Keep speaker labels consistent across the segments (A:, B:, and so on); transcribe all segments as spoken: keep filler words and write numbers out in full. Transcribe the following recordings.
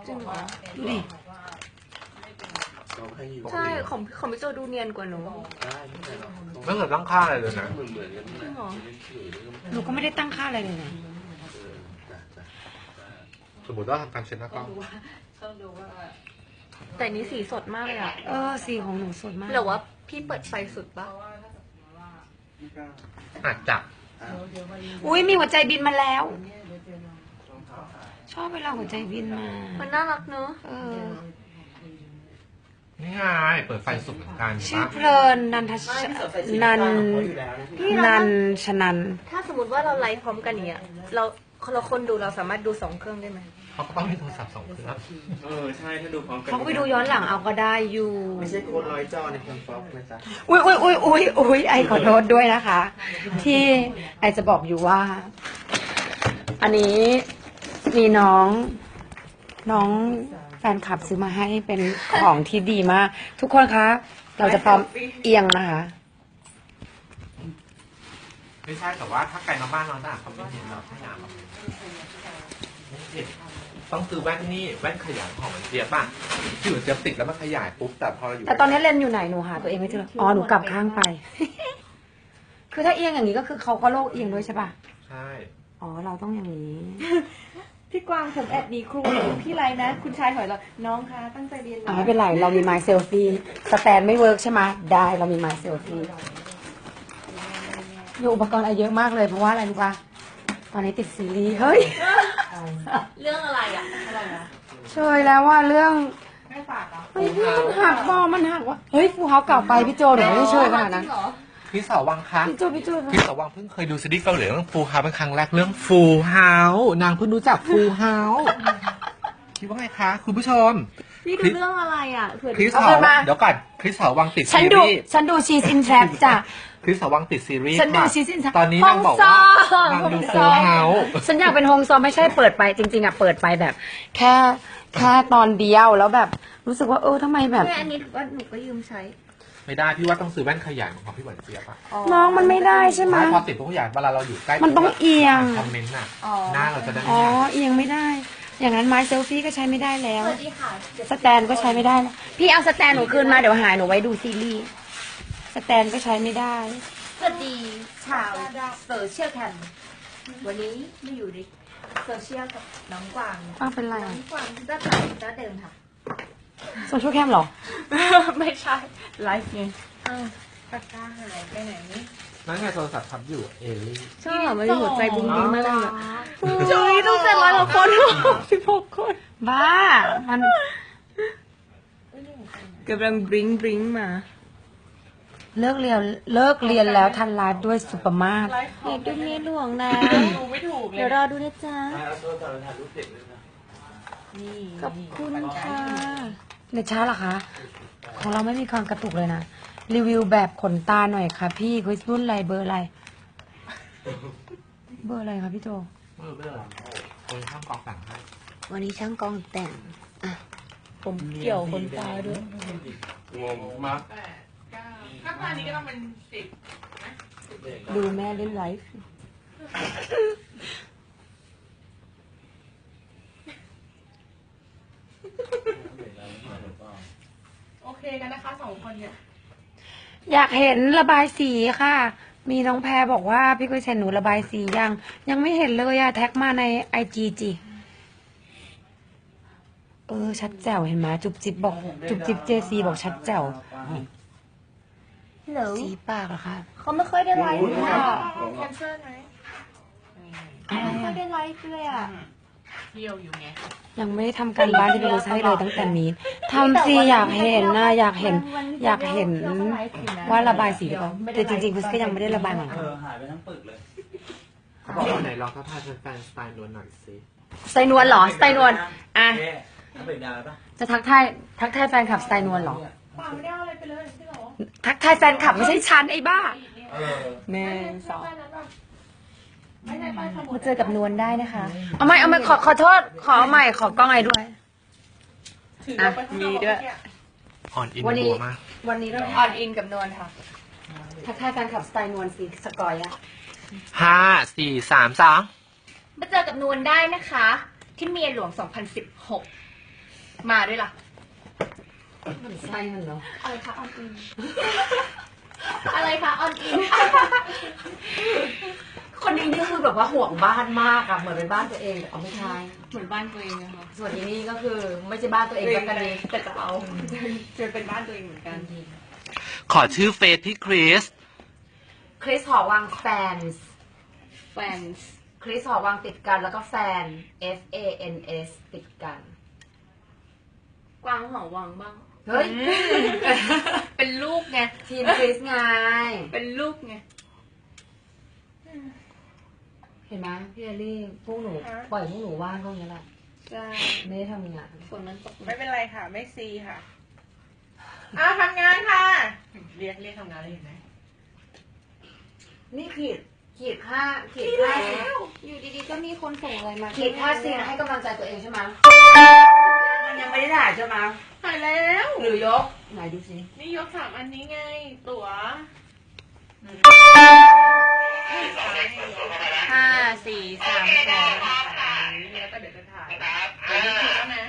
A: จริงเหรอ
B: ดูดิ
A: ใช่ของของพี่โจดูเนียนกว่าหนู
C: ไม่เคยตั้งค่าอะไรเลยนะ
A: จริงเหรอ
B: หนูก็ไม่ได้ตั้งค่าอะไรเลยนะ
C: สมมติว่าทำการเช็ดหน้ากล้อง
A: แต่นี้สีสดมากเลยอะ
B: เออสีของหนูสดมาก
A: หรือว่าพี่เปิดไฟสุดปะ
C: อาจจะ
B: อุ้ยมีหัวใจบินมาแล้ว ชอบเวลาหัวใจบินมา
A: มันน่ารักเนอะ
B: เออ
C: นี่ไงเปิดไฟสุดเหมือนกัน
B: ชื่อเพลินนันทชนันนันชนัน
A: ถ้าสมมติว่าเราไลฟ์พร้อมกันอย่างเนี้ยเราเราคนดูเราสามารถดูสองเครื่องได้ไหม
C: เขาก็ต้องมีโทรศัพท์สองเครื่อง
D: เออใช่ถ้าดูพร้อมกัน
B: เขาก็ไปดูย้อนหลังเอาก็ได้อยู่
D: ไม่ใช่โค้ดร้อยจอในคนฟ็อกนะจ๊ะ
B: อุ้ยอุ้ยอุ้ยอุ้ยอุ้ยไอขอโทษด้วยนะคะ ที่ไอจะบอกอยู่ว่า อันนี้มีน้อง น้องแฟนคลับซื้อมาให้เป็นของที่ดีมาก ทุกคนคะ เราจะพร้อมเอียงนะคะ
C: ไม่ใช่แต่ว่าถ้าไกลมาบ้านเราน่ะเขาไม่เห็นหรอกไม่หนาวหรอกไม่เห็นต้องซื้อแว่นนี่แว่นขยายของมันเจี๊ยบป่ะที่อยู่เจี๊ยบติดแล้วมันขยายปุ๊บแต่พอเราอยู่
B: แต่ตอนนี้เลนส์อยู่ไหนหนูหาตัวเองไม่เจออ๋อหนูกลับข้างไป คือถ้าเอียงอย่างนี้ก็คือเขาก็โลกเอียงด้วยใช่ป่ะ
C: ใช่
B: อ๋อเราต้องอย่างนี้
A: พี่กวางผมแอบมีครูพี่ไรนะ คุณชายหอยเราน้องคะตั้งใจเรียน
B: อ่าไม่เป็นไร เรามีไมล์เซลฟี่สแตนไม่เวิร์กใช่ไหมได้เรามีไมล์เซลฟี่มีอุปกรณ์อะไรเยอะมากเลยเพราะว่าอะไรรู้ป่ะตอนนี้ติดซีรีส์เฮ้ย
A: เรื่องอะไรอ่ะอะไรนะ
B: เชยแล้วว่าเรื่อง
A: ไม่ฝากเหรอ
B: เฮ้ยพี่มันหักบอมันหักว่ะเฮ้ยฟูเฮาเก่าไปพี่โจเดี๋ยวไม่ได้เชยขนาดนั้น
C: พี่สาววังคะ
B: พี่โจพี่โจ
C: พี่สาววังเพิ่งเคยดูซีรีส์เกาหลีเรื่องฟูเฮาเป็นครั้งแรกเรื่องฟูเฮานางเพิ่งรู้จักฟูเฮาคิดว่าไงคะคุณผู้ชม
A: พี่ดูเรื่องอะไรอ่ะเผื่อ
C: คริสสาวเดี๋ยวก่อนคริสสาววังติด
B: ฉัน
C: ซี
B: ดู
C: รีส์
B: ฉันดูชีซินแทรปจ้ะ
C: คริสสาววังติดซีรีส์
B: ฉันดู
C: ค่ะ
B: ชีซินแทรป
C: ตอนนี้นางบอกว่านางดูฟูเฮา
B: ฉันอยากเป็นโฮมซอมไม่ใช่เปิดไปจริงๆอ่ะเปิดไปแบบ แค่แค่ตอนเดียวแล้วแบบรู้สึกว่าเออทำไมแบบ
A: แม่อันนี้ถือว่าหนูก็ยืมใช้
C: ไม่ได้พี่ว่าต้องซื้อแว่นขยายของพี่หวานเจี๊ยบอะ
B: น้องมันไม่ได้ใช่ไหม
C: ไม่พอติดพวกขยายเวลาเราอยู่ใกล้
B: มันต้องเอียง
C: คอมเมนต์น่ะ
A: อ๋อ
C: หน้าเราจะได้
B: อ๋
C: ไม่
B: อ
C: ใหญ่
B: เอียงไม่ได้ อย่างนั้นไม้เซลฟี่ก็ใช้ไม่ได้แล้ว
A: สวัสดีค่ะ
B: สแตนก็ใช้ไม่ได้แล้วพี่เอาสแตนหนูคืนมาเดี๋ยวหายหนูไว้ดูซีรีส์สแตนก็ใช้ไม่ได้
A: สวัสดีชาวโซเชียลแคมวันนี้ไม่อยู่ในโซเชียลกับน้องกวาง
B: อ้าวเป็นไร
A: น้อ
B: อ่ะ
A: งกวางก็ถ่ายก็เดิมค่ะ
B: โซเชียลแคมเหรอ
A: ไม่ใช่ ไลฟ์ไงอ้าวปากกาหายไปไหนนี่
C: นั่นไงโทรศัพท์ทับอยู่เอลลี่
A: ใช่เหรอมันมีหัวใจบุ้งบิ้งมากเลยอะจุ๊ยต้องเจ็ดร้อยกว่าคนสิบหกคน
B: บ้า มัน
A: กำลังบริ้งบริ้งมา
B: เลิกเรียนเลิกเรียนแล้วทันไลฟ์ด้วยสุปมาศ
A: อยากดูเมียหลวงนะเดี๋ยวรอดูนะจ๊ะ
D: เอาโทรศัพท์ถ่ายรูปเด็กเลยนะ
B: ขอบคุณค่ะเน็ตช้าเหรอคะ ของเราไม่มีความกระตุกเลยนะ รีวิวแบบขนตาหน่อยค่ะพี่คุยรุ่นอะไรเบอร์อะไร เบอร์อะไรคะพี่โจ
C: เออไม่เป็นไรคนข้างกองสั่งให้
B: วันนี้ช่างกองแต่ง อ่ะ ผมเกี่ยวขนตาด้วย
D: งงมาก
E: ถ้าตอนนี้ก็ต้องเป็นสิบ
B: ดูแม่เล่นไลฟ์
E: โอเคกันนะคะสองคนเนี่ย
B: อยากเห็นระบายสีค่ะ มีน้องแพรบอกว่าพี่กุ้ยเชนหนูระบายสียัง ยังไม่เห็นเลยอะแท็กมาในไอจีจีเออ ชัดแจ๋วเห็นไหมจุบจิบบอก จุบจิบเจซีบอกชัดแจ๋ว
A: เหรอ
B: สีปากเหรอคะ
A: เขาไม่ค่อยได้ไลฟ์เลยอ่ะ
E: แคนเซิลไหม
A: ไม่ค่อยได้ไลฟ์เลยอ่ะ
E: เที่ยวอยู่ไง
B: ยังไม่ได้ทำการบ้านที่พี่กุ้ยให้เลยตั้งแต่มีทำสิอยากเห็นนะอยากเห็น อยากเห็นว่าระบายสีหรือเปล่าแต่จริงๆคุณก็ยังไม่ได้ระบายเหมือน
D: เอ
B: กัน
D: อหายไปทั้งปึกเลย
C: เขาบอกว่าไหนลองทักทายแฟนๆสไตล์นวลหน่อยสิ
B: สไตล์นวลเหรอสไตล์นวลอ่ะ
D: เอ๊ะน้ำปึกดาวปะ
B: จะทักทายทักทายแฟนคลับสไตล์นวลเหรอ
E: เปล่าไม่ได้เอาอะไรไปเลยพี่หรอ
B: ทักทายแฟนคลับไม่ใช่ฉันไอ้บ้า
D: เออ
B: หนึ่งสอง
E: ไปนั้นแบบไม่ได้ไปสมุด
B: มาเจอกับนวลได้นะคะ เอาใหม่เอาใหม่ขอขอโทษ ขอเอาใหม่ขอกล้องไอ้ด้วย
E: ถือเราไปข้างนอก
A: มีด้วย
C: อ่อนอิน
B: วันนี้
C: บัวมาก
B: วันนี้เราออนอินกับนวลค่ะ ทักทายแฟนคลับสไตล์นวลสิสกอยอะ
C: ห้าสี่สามสอง
A: มาเจอกับนวลได้นะคะ ที่เมียหลวง สองพันสิบหกมาด้วยล่ะ
B: มันไส้มันเนาะ
A: อะไรคะออนอิน อะไรคะออนอิน
B: คนนี้นี่คือแบบว่าห่วงบ้านมากอะเหมือนเป็นบ้านตัวเองแต่เอาไม่ใช่
E: เหมือนบ้านตัวเองนะคะ
B: ส่วนนี้นี่ก็คือไม่ใช่บ้านตัวเองแล้วกันนี้
E: แต่จะเอาจะเป็นบ้านตัวเองเหมือนกัน
C: ขอชื่อเฟซพี่คริส
B: คริสหอวังแฟนส์
E: แฟนส์
B: คริสหอวังติดกันแล้วก็แฟน F A N S ติดกัน
E: กวางหอวังบ้าง
B: เฮ้ย
E: เป็นลูกไง
B: ทีมคริสไง
E: เป็นลูกไง
B: เห็นไหมพี่เอลลี่พวกหนู
E: ฮะ
B: ปล่อยพวกหนูว่างพวกนี้แหละ
E: ใช่
B: ไม่ได้ทำงาน
E: ฝนมันตก
F: ไม่เป็นไรค่ะ ไม่ซีค่ะอ้าวทำงานค่ะ เรียกเรียกทำงานเลยเห็นไหม
B: นี่ขีดขีดค่าขีดค่าซีน
E: อยู่ดีๆก็มีคนส่งอะไรมา
B: ขีดค่าซีนให้กำลังใจตัวเองใช่ไหมมันยังไม่ได้ถ่ายใช่ไหม
F: ถ่ายแล้ว
B: หรือยกไหนดูสิ
F: นี่ยกสามอันนี้ไง ตั๋ว
E: ห้าสี่สามสอง
F: แล้วก็เดี๋ยวจะถ่ายเดี๋ยวนี้คิดแล้วนะ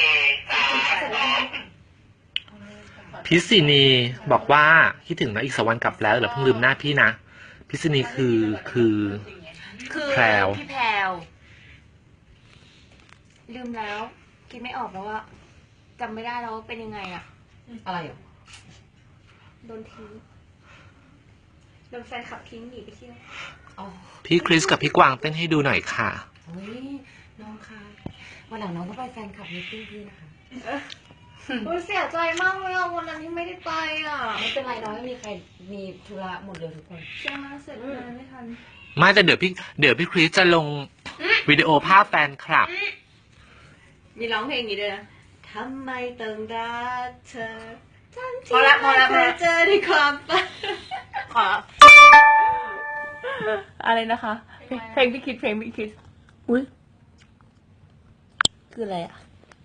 C: พิษณีบอกว่าคิดถึงนะอีกสกวันกลับแล้วเดี๋ยวเพิ่งลืมหน้าพี่นะ พิษณีคือคือ
A: คือ
C: แพรว
A: พี่แพรวลืมแล้ว คิดไม่ออกแล้วว่าจำไม่ได้แล้วว่าเป็นยังไงอะ
B: อะไรอ่ะ
A: โดนทิ้งโดนแฟนขับทิ้งหนีไปเที่ยว
B: อ๋อ
C: พี่คริสกับพี่กวางเต้นให้ดูหน่อยค่ะ
B: เฮ้ยน้องคะวันหลังน้องต้องไปแฟนคลับมิตติ้งพี่นะคะ
A: โอ้ยเสียใจมากเลยอ่ะวันนั้นที่ไม่ได้ไปอ่ะ
B: ไม่เป็นไรน้องไม่มีใครมีธุระหมดเลยทุกคน
A: ใช่ไหมเสร็จงานไม่ทัน
C: ไม่แต่เดี๋ยวพี่เดี๋ยวพี่คริสจะลงวิดีโอภาพแฟนคลับ
E: มีร้องเพลงนี้ด้วยนะทำไมต้องรักเธอทั้งที่
B: พอละพอละพอ
E: ไม่
B: ละ
E: เคยเจอในความฝัน
A: ขอ
E: อะไรนะคะ เพลงพี่คิดเพลงพี่คิด
B: อุ้ย
E: คืออะไรอ่ะ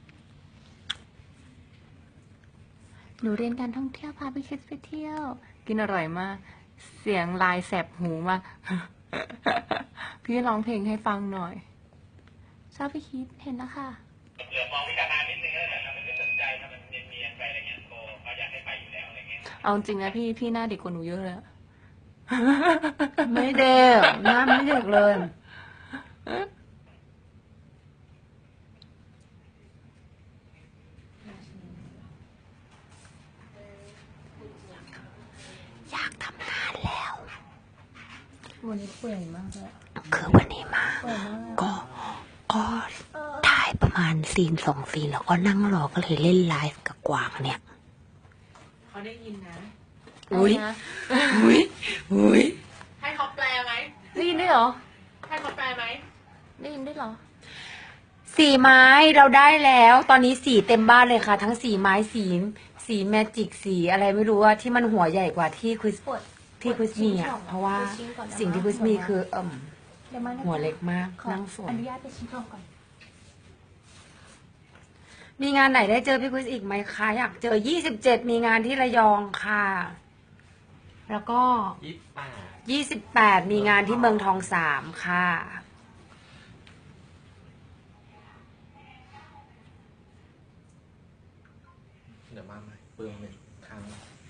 E: หนูเรียนการท่องเที่ยวพาพี่คิดไปเที่ยว กินอร่อยมาก เสียงลายแสบหูมาก พี่ร้องเพลงให้ฟังหน่อย ชอบพี่คิดเห็นแล้วค่ะ
G: เหลือมองวิจารณ์นิดนึงแล้วแต่ทำมันไม่สนใจทำมันเนียนๆไปอะไรเงี้ยโบเขาอยากให้ไปอยู่แล้วอะไรเงี้ย
E: เอาจริงนะพี่พี่หน้าเด็กกว่าหนูเยอะเลยอะ
B: ไม่เด็กหน้าไม่เด็กเลย
A: อยากทำงานแล้ว
E: วันนี้เปื่อยมากเลย
A: คือวันนี้มา ก็ก็ถ่ายประมาณซีนสองซีนแล้วก็นั่งรอก็เลยเล่นไลฟ์กับกวางเนี่ย
F: เขาได้ยินนะ
B: อุ้ยอุ้ยอุ้ย
F: ให้เขาแปลไหม
E: ได้ยินด้วยเหรอ
F: ให้เขาแปลไหม
E: ได้ยินด้วยเหรอ
B: สีไม้เราได้แล้ว ตอนนี้สีเต็มบ้านเลยค่ะ ทั้งสีไม้สีสีแมจิกสีอะไรไม่รู้ว่าที่มันหัวใหญ่กว่าที่คริสที่คริสมีอ่ะเพราะว่าสิ่งที่คริสมีคือเอ่ม
A: เดี๋ยวมานะ
B: หัวเล็กมากนั่งสว
A: อย นุญาตไปชิ้นทองก่อน
B: มีงานไหนได้เจอพี่คริสอีกไหมคะอยากเจอยี่สิบเจ็ดมีงานที่ระยองค่ะ แล้วก็
C: ยี่สิบแปด
B: ยี่สิบแปดมีงานที่เมืองทองสามค่ะ
C: เดี๋ยวมาใหม่เปลืองหนึ่งครั้ง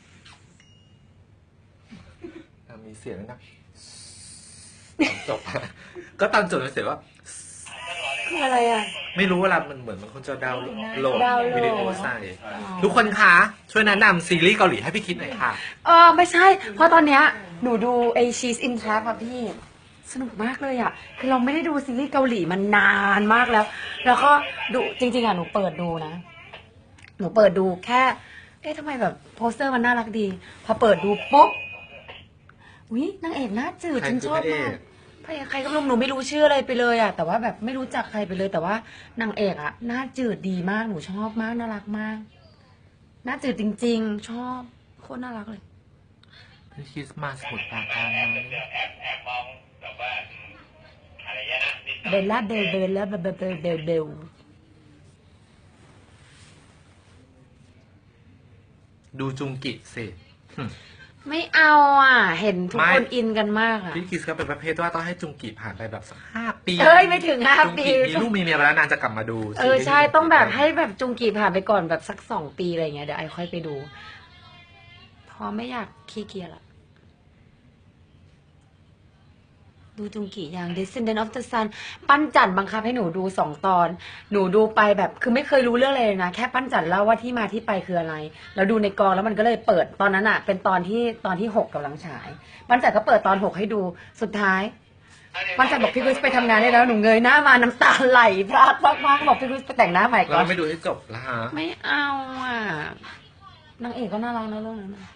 C: อ่ะมีเสียงนะตอนจบ ก็ตอนจบเลยเสียงว่า
B: คืออะไรอ่ะ
C: ไม่รู้เวลามันเหมือนมันคนจะดาวน์โหลด
B: ดาวน์โหลด
C: วิดีโอใส่ ทุกคนคะ ช่วยแนะนำซีรีส์เกาหลีให้พี่คิดหน่อยค่ะ
B: เออไม่ใช่ เพราะตอนเนี้ยหนูดูไอชีสอินแทร็อะพี่ สนุกมากเลยอ่ะ คือเราไม่ได้ดูซีรีส์เกาหลีมานานมากแล้ว แล้วก็ดูจริงๆอ่ะหนูเปิดดูนะ หนูเปิดดูแค่ เอ๊ะทำไมแบบโปสเตอร์มันน่ารักดี พอเปิดดูปุ๊บวินางเอกหน้าจืด
C: ใคร
B: ฉัน
C: คือ
B: ชอบ
C: พระเอก
B: มากพระเอกใครก็ไม่รู้หนูไม่รู้ชื่ออะไรไปเลยอ่ะ แต่ว่าแบบไม่รู้จักใครไปเลย แต่ว่านางเอกอ่ะหน้าจืดดีมาก หนูชอบมาก น่ารักมาก หน้าจืดจริง ๆ ชอบโคตรน่ารักเลย
C: พี่คิดมาสมุดปราการไหม
G: แอบแอบมองแบบว่าอืมอะไรเงี้ยนะนิดหน่อย
B: เบลล่าเบลเบลล่าเบลเบลเบลเบลเบล
C: ดูจุงกิสิ
B: ไม่เอาอ่ะ เห็นทุก
C: ไม่
B: คนอินกันมากอ่ะ
C: พี่คิดก็เป็นประเภทว่าต้องให้จุงกิผ่านไปแบบสักห้าปี
B: เอ้ยไม่ถึงห้า
C: จุง
B: ปี
C: กิมีลูกมีเมียไปแล้วนางจะกลับมาดู
B: เออใช่ต้องแบบให้แบบจุงกีผ่านไปก่อนแบบสักสองปีอะไรเงี้ยเดี๋ยวไอค่อยไปดูเพราะไม่อยากขี้เกียจละดูจุงกีอย่าง Descendant of the Sun ปั้นจันบังคับให้หนูดูสองตอน หนูดูไปแบบคือไม่เคยรู้เรื่องอะไรเลยนะแค่ปั้นจันเล่าว่าที่มาที่ไปคืออะไรแล้วดูในกองแล้วมันก็เลยเปิดตอนนั้นอะเป็นตอนที่ตอนที่หกกำลังฉายปั้นจันก็เปิดตอนหกให้ดูสุดท้ายปั้นจันบอกพี่คริสไปทำงานได้แล้วหนูเงยหน้ามาน้ำตาไหลพรากมากๆบอกพี่คริสไปแต่งหน้าใหม่ก่
C: เรา
B: อน
C: ไม่ดูให้จบละฮะ
B: ไม่เอาอ่ะนางเอกก็น่ารักนะเรื่องนั้นน่ะ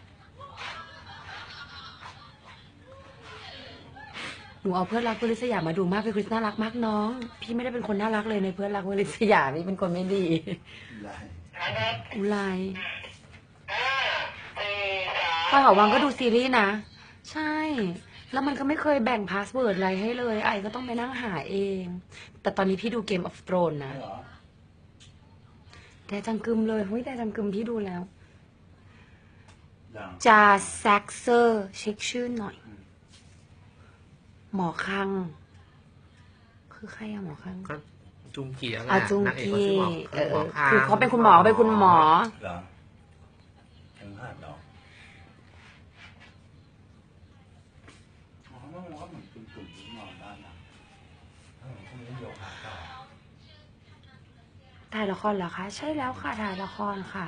B: หนูเอาเพื่อนรักเพื่อนลิศยามาดูมากพี่คริสน่ารักมากน้อง พี่ไม่ได้เป็นคนน่ารักเลยในเพื่อนรักเพื่อนลิศยาพี่เป็นคนไม่ดีอุไรพอหอวังก็ดูซีรีส์นะ ใช่ แล้วมันก็ไม่เคยแบ่งพาสเวิร์ดอะไรให้เลย ไอ้ก็ต้องไปนั่งหาเอง แต่ตอนนี้พี่ดูเกมออฟโ r รนนะแต่จังกึมเลยเฮ้ยแต่จังกึมพี่ดูแล้ว จาแซกเซอร์เช็คชื่อหน่อย หมอคัง คือใครอะหมอคัง
C: ก็จุงกีอะไร
B: อาจุง
C: นางเอก
B: กี
C: เขาชื่อหมอ
B: เออ
C: หมอคาง
B: คือเขาเป็นคุณหมอเขาเป็นคุณหมอ
D: เหรอถึงห้าดอกอ๋อมันก็เหมือนกึ่งๆที่นอนได้นะเออพวกนี้โยคะต่อ
B: ถ่ายละครเหรอคะ ใช่แล้วค่ะ ถ่ายละครค่ะ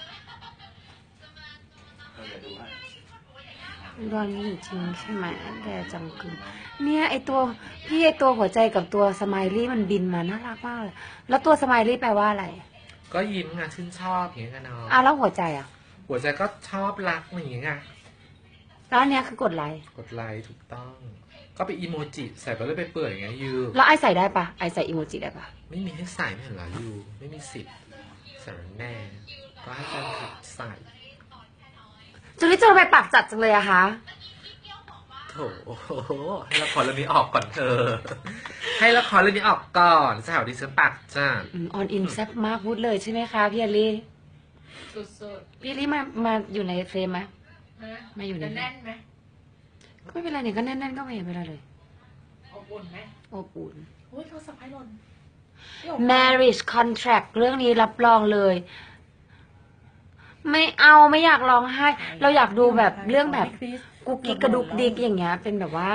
D: เราจะดูให้
B: รอนนี่จริงใช่ไหมแต่จังกึมเนี่ยไอตัวพี่ไอตัวหัวใจกับตัวสไมลี่มันบินมาน่ารักมากเลย แล้วตัวสไมลี่แปลว่าอะไร
C: ก็ยิ้มไงชื่นชอบอย่างเงี้ยกันเนาะ
B: อ่ะแล้วหัวใจอ่ะ
C: หัวใจก็ชอบรักอย่างเงี้ยไง
B: แล้วอันเนี้ยคือกดไลค์
C: กดไลค์ถูกต้อง ก็ไปอีโมจิใส่ไปเลยไปเปื่อยอย่างเงี้ยยู
B: แล้วไอใส่ได้ปะไอใส่อีโมจิได้ปะ
C: ไม่มีให้ใส่ไม่เห็นเหรอยูไม่มีสิทธิ์สารแน่ ก็ให้แฟนคลับใส่
B: จุลิเจอไปปากจัดจังเลยอะคะ
C: โถโอ้โหให้ละครเรื่องนี้ออกก่อนเธอ ให้ละครเรื่องนี้ออกก่อนสาวดิฉันปากจ้า
B: ออนอินแซ่บมากพูดเลยใช่ไหมคะพี่อลี่
F: สุด
B: พี่อลี่มามาอยู่ในเฟรมไหม
F: ๆนะ
B: มาอยู่ใน
F: จะแน่นไหม
B: ก็ไม่เป็นไรเนี่ยก็แน่นๆก็ไม่เห็นเป็นไรเลย
F: อบอุ่นไหม
B: อบอุ่น
F: อุ้ยโทรศัพท์ให้หล่น
B: marriage contract เรื่องนี้รับรองเลย ไม่เอาไม่อยากร้องไห้ เราอยากดูแบบเรื่องแบบกุ๊กกิ๊กกระดุกดิกอย่างเงี้ย เป็นแบบว่า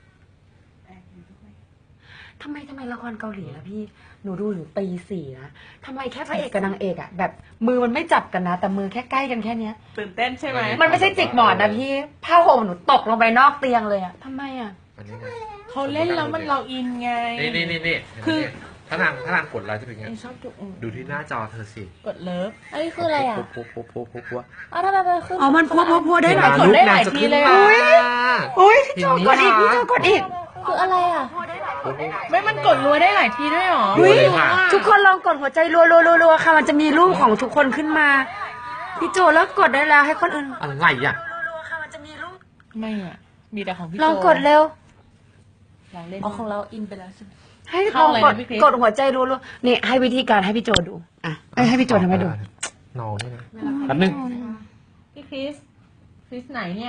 B: ทำไมทำไมละครเกาหลีล่ะพี่หนูดูถึงปีสี่นะทำไมแค่พระเอกกับนางเอกอะแบบมือมันไม่จับกันนะ แต่มือแค่ใกล้กันแค่เนี้ย
F: ตื่นเต้นใช่ไหม
B: มันไม่ใช่จิกหมอนนะพี่ผ้าห่มหนูตกลงไปนอกเตียงเลยอะทำไมอะ
C: อันนี้ไง
F: เขาเล่นแล้วมันเราอินไง
C: นี่นี่นี่นี่
F: คือ
C: ถ้านางถ้านางกดไลค์จะเป็นไง
F: ไอชอบจุก
C: ดูที่หน้าจอเธอสิ
F: กดเลิฟ
E: อันนี้คืออะไรอ่ะ
C: ปุ๊บปุ๊บปุ๊บปุ๊บปุ๊บ
E: อ้าวทำไมมันขึ้น
B: อ๋อมันพัวพัวพัวได้หลาย
F: กดได้หลายทีเลยอะ
B: อุ้ยพี่โจกดอีกพี่โจกดอีก
E: คืออะไรอ่ะ
F: ไม่มันกดรัวได้หลายทีด้วยหรอ
C: ดูเลยค่ะ
B: ทุกคนลองกดหัวใจรัวรัวรัวรัวค่ะ มันจะมีรูปของทุกคนขึ้นมา พี่โจแล้วกดได้แล้วให้คนอื่น
C: อะไรอ่ะ
F: ไม่อ่ะ มีแต่ของพี่
B: ลองกดเร็ว
F: ลองเล่น
E: อ๋อของเราอินไปแล้วใช่ไหม
B: ให้ล
F: เข้า
B: อง
F: เลย
B: ก
F: นะ
B: ด
F: พี่คริส
B: กดหัวใจรัวรัวนี่ให้วิธีการให้พี่โจดู อ่ะเอ้ยให้พี่โจทำให้ดู
C: น้องนี่นะแป๊บนึง
F: พี่คริส คริสไหนเนี่ย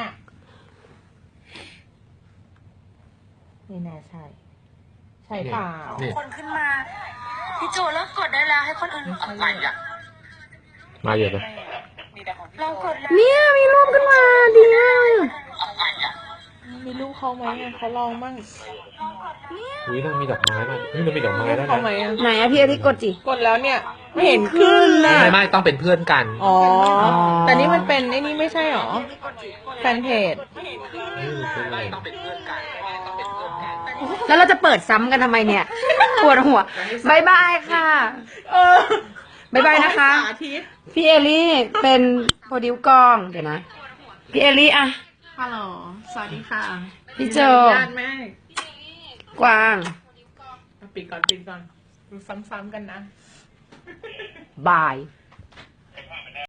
F: นี่แน่ใช่ ใช่เปล่า
C: นี่
B: คนขึ้นมา พี่โจแล้วกดได้แล้วให้คนอื่น
C: อะไรอ่ะมาเยอะเลย
B: ลองกดเนี่ยมีรูปขึ้นมาดีมาก
F: มีลูกเขาไหมอะเขาลองมั่ง
C: อุ้ยนางมีดอกไม้มานี่มันมีดอกไม้
F: ลูก
C: ด้วย
F: เขา
C: นะ
F: ไหมอะ
B: ไหนอะพี่อาทิตย์กดจิ
F: กดแล้วเนี่ย ไม่เห็นขึ้นเลย
C: ไม่ไม่ต้องเป็นเพื่อนกัน
F: อ๋อ แต่นี่มันเป็นไอ้นี่ไม่ใช่หรอ แฟนเพจ
C: นี่มันเป็นอะไรต้องเป็นเพื่อนกันต้องเป็นเพื่อนกัน
B: แล้วเราจะเปิดซ้ำกันทำไมเนี่ยปวดหัวบายบายค่ะ
F: เออบ
B: ายบายนะคะ
F: สาธิต
B: พี่เอลี่เป็นโปรดิวกอง เดี๋ยวนะ พี่เอลี่อะ
F: ฮัลโหล สวัสดีค่ะ
B: พี่โจ
F: ญาติแม่
B: กวาง
F: ปิดก่อนปิดก่อน ดูซ้ำๆกันนะ
B: บาย